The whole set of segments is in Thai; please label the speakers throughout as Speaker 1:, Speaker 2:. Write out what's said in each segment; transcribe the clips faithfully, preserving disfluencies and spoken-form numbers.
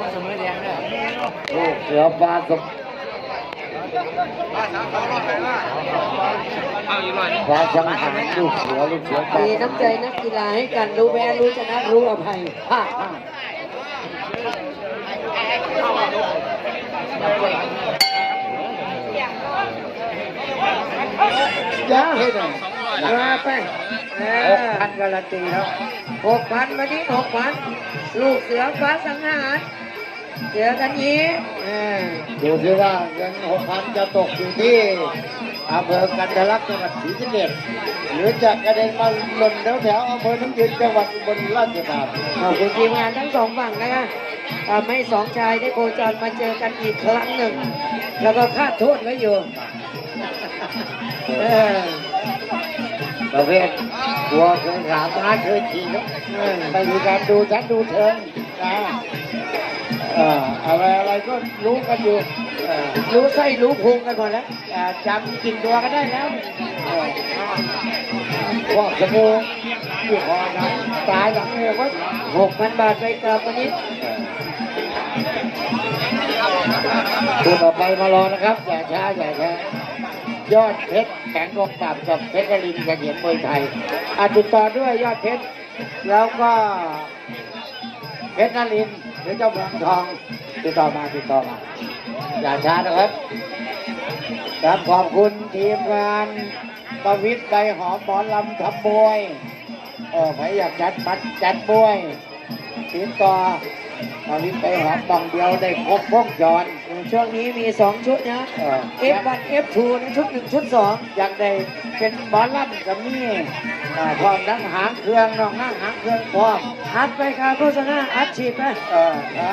Speaker 1: เสมอแดงเลย
Speaker 2: ลูกเสือฟ้าสมฟ้าสังหารลูกเสือลูกเสือฟ้า
Speaker 3: มีน้ำใจนักกีฬาให้กันรู้แพ้รู้ชนะรู้อภัยฮ่าฮ่าจ้าเฮ้ยหน่อยมาไปหกพันการันตีแล้วหกพันวันนี้หกพันลูกเสือฟ้าสังหารเจอกันนี้
Speaker 2: ดูที่ว่าเงินหกพันจะตกอยู่ที่อำเภอกันทะลักจังหวัดศรีสะเกษหรือจะกระเด็นมาหล่นแถวแถวอำเภอน้ำยืนจังหวัดอุบลราชธานี
Speaker 3: ขอบคุณทีมงานทั้งสองฝั่งนะคะทำให้สองชายได้โคจรมาเจอกันอีกครั้งหนึ่งแล้วก็คาดโทษไว้อยู่
Speaker 2: ประเภทหัวเคยขาม้าเคยขี่ครับไม่มีการดูชัดดูเชิงนะอะไรอะไรก็รู้กันอยู่
Speaker 3: รู้ไส้รู้พุงกันหมดแล้ว
Speaker 2: จำกินตัวก็ได้แล้วพวกสมูอยู่คอนะตายหลังเลยว่า
Speaker 3: หกพันบาทไปกลับวันนี้
Speaker 2: ตัวต่อไปมารอนะครับอย่าช้าอย่าช้ายอดเพชรแข็งกองปราบกับเพชรกลินเสถียรมวยไทยอาติดต่อด้วยยอดเพชรแล้วก็เพชรนรินทร์หรือเจ้าเมืองทองติดต่อมาติดต่อมาอย่าช้านะครับครับขอบคุณทีมงานประวิตรใบหอมหมอลำทำมวยเออใครอยากจัดบัตรจัดมวยติดต่อประวิตรใบหอมบองเดียวได้ครบวงจร
Speaker 3: ช่วงนี้มีสองชุดนะ เอฟ วัน เอฟ ทู นะชุดหนึ่งชุดสอง
Speaker 2: อยากได้เป็นหมอลำกับนี่พร้อมนั่งหางเครื่องน้องนั่งหางเครื่องพร้อม
Speaker 3: อัดไปค่ะโฆษณาอัดฉีดไป
Speaker 2: เออ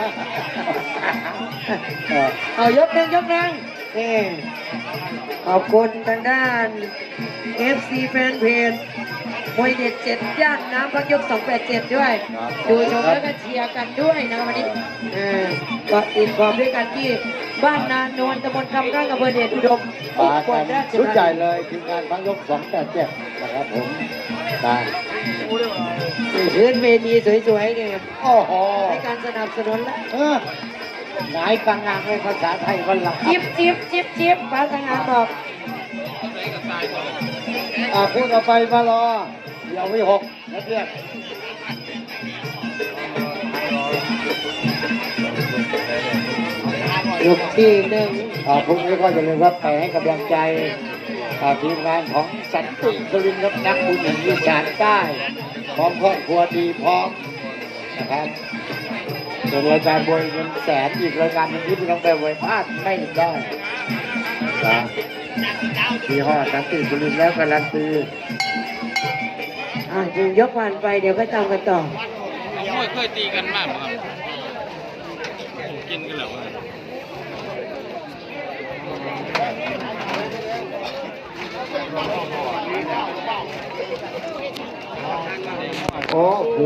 Speaker 3: เอายกหนึ่งยกหนึ่งนี่ขอบคุณทางด้าน เอฟ ซี แฟนเพจมวยเด็ดเจ็ดย่านน้ำพักยกสองแปดเจ็ดด้วยดูชมแล้วก็เชียร์กันด้วยนะวันนี้ก็ติดความด้วยกันที่บ้านนานวลตำบลคำข้างอำเภอเดชอุดม
Speaker 2: มากันชุดใหญ่เลยทีมงานพักยกสองแปดเจ็ดนะครับผมตา
Speaker 3: พื้นเวทีสวยๆเนี่ย
Speaker 2: โอ้โห
Speaker 3: ให้การสนับสนุนแล้ว
Speaker 2: หงายกลางงานในภาษาไทยวันหลัง
Speaker 3: จิ๊บจิ๊บจิ๊บจิ๊บภาษางานบอก
Speaker 2: อ่าพูดต่อไปมารอเดี๋ยววิหกนะเพื่อน
Speaker 3: ยกที่หนึ่ง
Speaker 2: อ่าพรุ่งนี้ก็จะเรียกว่าไปให้กำลังใจทีมงานของสันติสุรินทร์ครับนักบุญแห่งอีสานใต้พร้อมครอบครัวดีพร้อมนะครับเป็นรายการบวยเงินแสนอีกรายการหนึ่งที่พี่น้องไปบวยพลาดไม่ได้นะที่ห้อสันติสุรินทร์แล้วการันตี
Speaker 3: อ่าจึงยกวันไปเดี๋ยวก็ตามกันต่อ
Speaker 1: ไม่เคยตีกันมากครับกินกันเหรอ
Speaker 2: โอ้